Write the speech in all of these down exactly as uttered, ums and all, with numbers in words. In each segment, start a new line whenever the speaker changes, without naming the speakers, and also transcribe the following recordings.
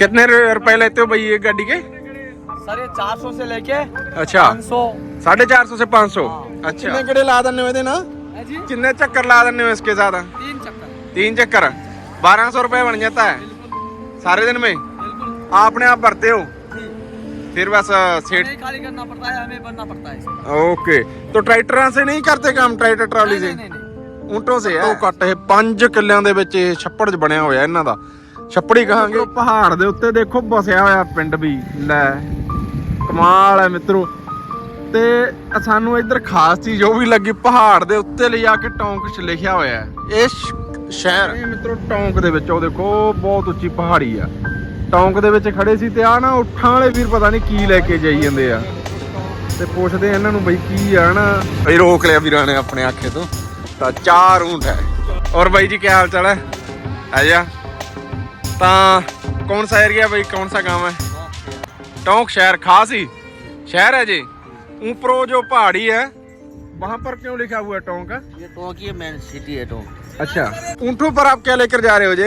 कितने रुपए लेते हो भाई ये गाड़ी के?
सर ये चार सौ से लेके
अच्छा
पाँच सौ।
साढ़े चार सौ से पाँच सौ।
हाँ।
अच्छा कितने गड़े ला देने हुए ना?
है जी
कितने चक्कर ला देने हुए इसके साथ?
तीन चक्कर।
तीन चक्कर बारह सौ रुपए बन जाता है सारे दिन में।
बिल्कुल
आपने आप भरते हो फिर बस सेठ
नहीं खाली करना पड़ता है, हमें बनना पड़ता है इसमें।
ओके तो ट्रैक्टਰਾਂ से नहीं करते काम? ट्रैक्टर ट्ਰਾਲੀ से
नहीं नहीं नहीं
ਊਂਟੋਂ ਸੇ ਹੈ। ਉਹ ਕੱਟ ਇਹ ਪੰਜ ਕਿੱਲਿਆਂ ਦੇ ਵਿੱਚ ਇਹ ਛੱਪੜ 'ਚ ਬਣਿਆ ਹੋਇਆ ਇਹਨਾਂ ਦਾ। ਛੱਪੜ ਹੀ ਕਹਾਂਗੇ। ਪਹਾੜ ਦੇ ਉੱਤੇ ਦੇਖੋ ਬਸਿਆ ਹੋਇਆ ਪਿੰਡ ਵੀ ਲੈ ਕਮਾਲ ਹੈ ਮਿੱਤਰੋ। ਤੇ ਸਾਨੂੰ ਇੱਧਰ ਖਾਸ ਚੀਜ਼ ਉਹ ਵੀ ਲੱਗੀ ਪਹਾੜ ਦੇ ਉੱਤੇ ਲਿਜਾ ਕੇ ਟੌਂਕ 'ਚ ਲਿਖਿਆ ਹੋਇਆ ਹੈ ਇਹ ਸ਼ਹਿਰ। ਇਹ ਮਿੱਤਰੋ ਟੌਂਕ ਦੇ ਵਿੱਚ ਉਹ ਦੇਖੋ ਬਹੁਤ ਉੱਚੀ ਪਹਾੜੀ ਆ। ਟੌਂਕ ਦੇ ਵਿੱਚ ਖੜੇ ਸੀ ਤੇ ਆ ਨਾ ਉੱਠਾਂ ਵਾਲੇ ਵੀਰ ਪਤਾ ਨਹੀਂ ਕੀ ਲੈ ਕੇ ਜਾਈ ਜਾਂਦੇ ਆ ਤੇ ਪੁੱਛਦੇ ਇਹਨਾਂ ਨੂੰ ਬਈ ਕੀ ਆ ਨਾ। ਬਈ ਰੋਕ ਲਿਆ ਵੀਰਾਂ ਨੇ ਆਪਣੇ ਆਖੇ ਤੋਂ। ਤਾਂ ਚਾਰ ਊਂਟ ਹੈ। और भाई जी क्या हाल चाल है? आजा ता कौन सा एरिया भाई, कौन सा गांव है? टोंक शहर खास ही शहर है जी। ऊपरों जो पहाड़ी है वहाँ पर क्यों लिखा हुआ है टोंक?
ये टोंक ये मेन सिटी है टोंक।
अच्छा ऊँटों पर आप क्या लेकर जा रहे हो जी?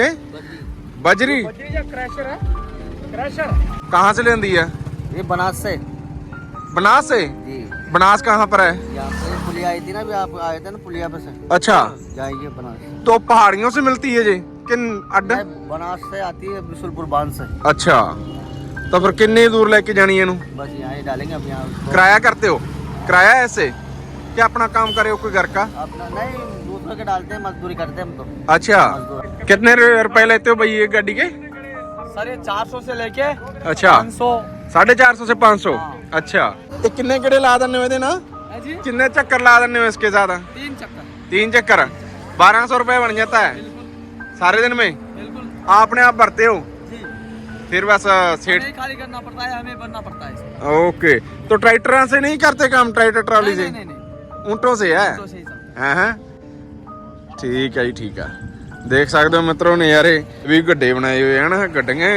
बजरी।
क्रैशर है क्रैशर।
कहाँ से लेंदी है?
ये बनास से।
बनास से?
जी
बनास कहाँ पर है?
यहाँ से पुलिया आई थी ना, अभी आप आए थे ना पुलिया पे से।
अच्छा
जाइए बनास।
तो पहाड़ियों से मिलती है जी किन अड्डा?
बनास से आती है बिशुलपुर बांध से।
अच्छा तो फिर कितनी दूर लेके जानी है इनू?
बस यहाँ ही डालेंगे अब यहाँ उसको।
किराया करते हो? किराया ऐसे क्या अपना काम करे हो कोई घर का?
अपना नहीं, दूसरे के डालते हैं, मजदूरी करते हैं हम तो।
अच्छा
मजदूर।
कितने रुपए लेते हो भाई ये गाड़ी के?
सर ये चार सौ से लेके
अच्छा
पाँच सौ।
साढ़े चार सौ से पाँच सौ।
हाँ।
अच्छा ये कितने गड़े ला देने हुए थे ना?
है जी
कितने चक्कर ला देने हुए इसके साथ?
तीन चक्कर।
तीन चक्कर बारह सौ रुपए बन जाता है सारे दिन में।
बिल्कुल
आपने आप भरते हो
जी
फिर बस सेठ?
नहीं खाली करना पड़ता है, हमें बनना पड़ता है इसमें।
ओके तो ट्रैक्टरों से नहीं करते काम? ट्रैक्टर ट्राली
नहीं
से
नहीं नहीं
ऊँटों से है?
तो सही सब।
ਹਾਂ ਹਾਂ ਠੀਕ ਹੈ ਜੀ ਠੀਕ ਆ। ਦੇਖ ਸਕਦੇ ਹੋ ਮਿੱਤਰੋ ਨਜ਼ਾਰੇ ਵੀ ਗੱਡੇ ਬਣਾਏ ਹੋਏ ਹਨ। ਗੱਡੀਆਂ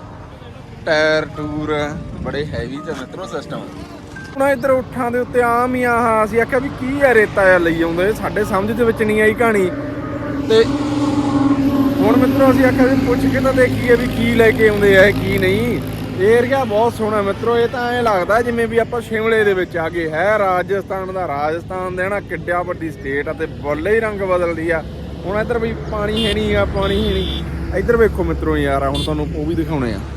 ਟਾਇਰ ਟੂਰ ਬੜੇ ਹੈਵੀ ਤੇ ਮਿੱਤਰੋ ਸਿਸਟਮ। ਹੁਣ ਇੱਧਰ ਉੱਠਾਂ ਦੇ ਉੱਤੇ ਆਮ ਹੀ ਆਹ ਅਸੀਂ ਆਖਿਆ ਵੀ ਕੀ ਹੈ ਰੇਤਾ ਆ ਲਈ ਆਉਂਦੇ, ਸਾਡੇ ਸਮਝ ਦੇ ਵਿੱਚ ਨਹੀਂ ਆਈ ਕਹਾਣੀ। ਤੇ ਹੁਣ ਮਿੱਤਰੋ ਅਸੀਂ ਆਖਿਆ ਵੀ ਪੁੱਛ ਕੇ ਤਾਂ ਦੇਖੀਏ ਵੀ ਕੀ ਲੈ ਕੇ ਆਉਂਦੇ ਆ ਕੀ ਨਹੀਂ। ਇਹ ਏਰੀਆ ਬਹੁਤ ਸੋਹਣਾ ਮਿੱਤਰੋ। ਇਹ ਤਾਂ ਐਂ ਲੱਗਦਾ ਜਿਵੇਂ ਵੀ ਆਪਾਂ ਸ਼ਿਮਲੇ ਦੇ ਵਿੱਚ ਆ ਗਏ ਹੈ। ਰਾਜਸਥਾਨ ਦਾ ਰਾਜਸਥਾਨ ਦੇ ਨਾ ਕਿੱਡਿਆ ਵੱਡੀ ਸਟੇਟ ਆ ਤੇ ਬੱਲੇ ਹੀ ਰੰਗ ਬਦਲਦੀ ਆ। ਹੁਣ ਇੱਧਰ ਵੀ ਪਾਣੀ ਹੈ ਨਹੀਂ ਆ, ਪਾਣੀ ਹੈ ਨਹੀਂ। ਇੱਧਰ ਵੇਖੋ ਮਿੱਤਰੋ ਯਾਰ ਹੁਣ ਤੁਹਾਨੂੰ ਉਹ ਵੀ ਦਿਖਾਉਣੇ ਆ।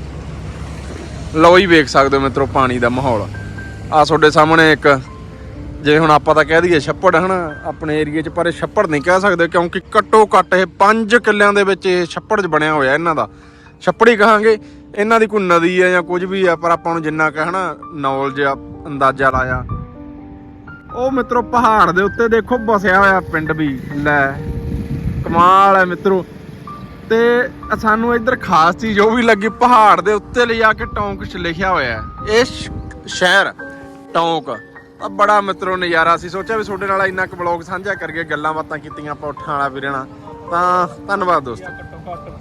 ਲਓ ਹੀ ਵੇਖ ਸਕਦੇ ਹੋ ਮਿੱਤਰੋ ਪਾਣੀ ਦਾ ਮਾਹੌਲ ਆ ਤੁਹਾਡੇ ਸਾਹਮਣੇ। ਇੱਕ ਜੇ ਹੁਣ ਆਪਾਂ ਤਾਂ ਕਹਿ ਦਈਏ ਛੱਪੜ ਹਨਾ ਆਪਣੇ ਏਰੀਏ 'ਚ, ਪਰ ਇਹ ਛੱਪੜ ਨਹੀਂ ਕਹਿ ਸਕਦੇ ਕਿਉਂਕਿ ਘੱਟੋ ਘੱਟ ਇਹ ਪੰਜ ਕਿੱਲਿਆਂ ਦੇ ਵਿੱਚ ਇਹ ਛੱਪੜ 'ਚ ਬਣਿਆ ਹੋਇਆ ਇਹਨਾਂ ਦਾ। ਛੱਪੜ ਹੀ ਕਹਾਂਗੇ। ਇਹਨਾਂ ਦੀ ਕੋਈ ਨਦੀ ਹੈ ਜਾਂ ਕੁਝ ਵੀ ਆ, ਪਰ ਆਪਾਂ ਨੂੰ ਜਿੰਨਾ ਕੁ ਹਨਾ ਨੌਲੇਜ ਆ ਅੰਦਾਜ਼ਾ ਲਾਇਆ। ਉਹ ਮਿੱਤਰੋ ਪਹਾੜ ਦੇ ਉੱਤੇ ਦੇਖੋ ਬਸਿਆ ਹੋਇਆ ਪਿੰਡ ਵੀ ਲੈ ਕਮਾਲ ਹੈ ਮਿੱਤਰੋ। ਤੇ ਸਾਨੂੰ ਇੱਧਰ ਖਾਸ ਚੀਜ਼ ਉਹ ਵੀ ਲੱਗੀ ਪਹਾੜ ਦੇ ਉੱਤੇ ਲਿਜਾ ਕੇ ਟੌਂਕ 'ਚ ਲਿਖਿਆ ਹੋਇਆ ਹੈ ਇਹ ਸ਼ਹਿਰ ਟੌਂਕ। ਆ ਬੜਾ ਮਿੱਤਰੋ ਨਜ਼ਾਰਾ ਸੀ। ਸੋਚਿਆ ਵੀ ਤੁਹਾਡੇ ਨਾਲ ਇੰਨਾ ਕੁ ਵਲੌਗ ਸਾਂਝਾ ਕਰਕੇ ਗੱਲਾਂ ਬਾਤਾਂ ਕੀਤੀਆਂ ਆਪਾਂ ਉੱਠਾਂ ਵਾਲਾ ਵੀਰੇ ਨਾਲ। ਤਾਂ ਧੰਨਵਾਦ ਦੋਸਤੋ।